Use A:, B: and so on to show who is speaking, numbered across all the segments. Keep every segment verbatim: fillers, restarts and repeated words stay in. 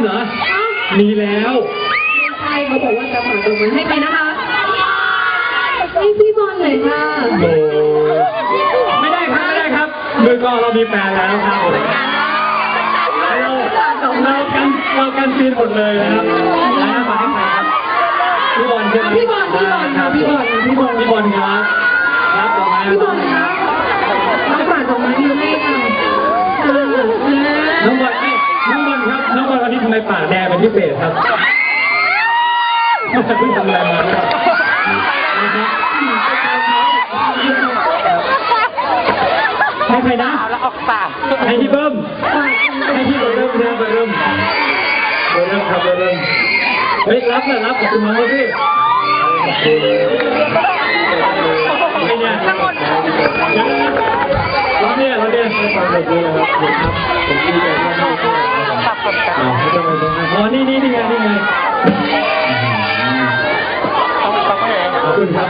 A: เหรอมีแล้ว
B: ใช่เขาบอกว่าจะฝากตรงนั้นให้ไปนะคะให้พี่บอลหน่อยค่ะ
A: โอ้ไม่ได้ครับไม่ได้ครับมือกองเรามีแฟนแล้วครับเราเรากันเรากันซีนหมดเลยนะครับแล้วฝากให้ใครครับพี่บอลใช่ไหม
B: พี่บอลพี่บอลค่ะพี่บอลพี่บอล
A: พี่บอลครับรับต่อมา
B: พี่บอลครับน้องฝากตรงนั้นอยู่ให้ค่ะ
A: น้องบอลไม่น้องบอลครับน้องบอลวันนี้ทำไมปากแดงเป็นพิเศษครับเพิ่งทำอะไรมาครับให้ใครนะให้พี่เบิ้มให้พี่เบิ้มนะเบิ้มเบิ้มครับเบิ้มเฮ้ยรับเลยรับขอบคุณน้องพี่ไม่เนี่ยเราเนี่ยเราเนี่ยฟังแบบนี้นะครับครับผมดีใจมากครับอ๋อนี่นี่นี่ไงนี่ไงขอบคุณครับ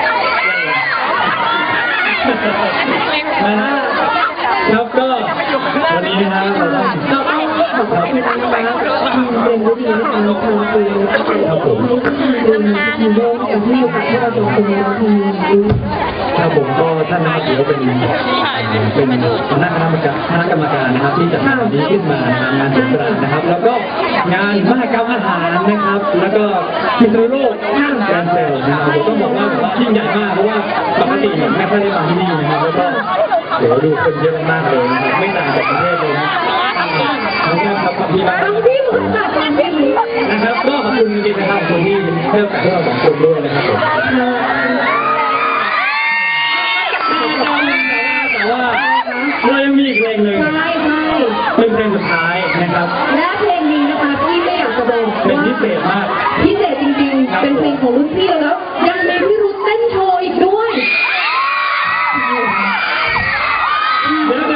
A: นะฮะแล้วก็วันนี้นะเราต้อง
B: เราต้องขอบคุณนะคะเป็นวิธีในการทำคือ
A: ครับผม
B: เป็นทีมโยกอย่างที่อยู่กับที่เราจะเป็นทีม
A: ครับผมก็ท่านนะครับถือว่าเป็นเป็นคณะกรรมการคณะกรรมการนะครับที่จัดงานนี้ขึ้นมานะงานสงกรานต์นะครับแล้วก็งานมหกรรมอาหารนะครับแล้วก็พิษณุโลกห้างแกรนด์เซลนะครับผมต้องบอกว่ายิ่งใหญ่มากเพราะว่าปกติเนี่ยไม่ค่อยได้มาที่นี่นะครับแล้วก็เดี๋ยวดูคนเยอะมากเลยนะครับไม่ต่างจากประเทศเลยนะขอบคุณครับขอบคุณมากนะครับก็ขอบคุณจริงๆนะครับขอบคุณที่ให้โอกาสพวกเราสองคนด้วยนะครับผมแต่ว่าเรายังมีอีกเพลงหนึ่งเป็นเพลงสุดท้ายนะครับ
B: และเพลงนี้นะคะพี่ไม่อยากจะบอก
A: เป็นพิเศษมาก
B: พิเศษจริงๆเป็นเพลงของรุ่นพี่แล้วยังมี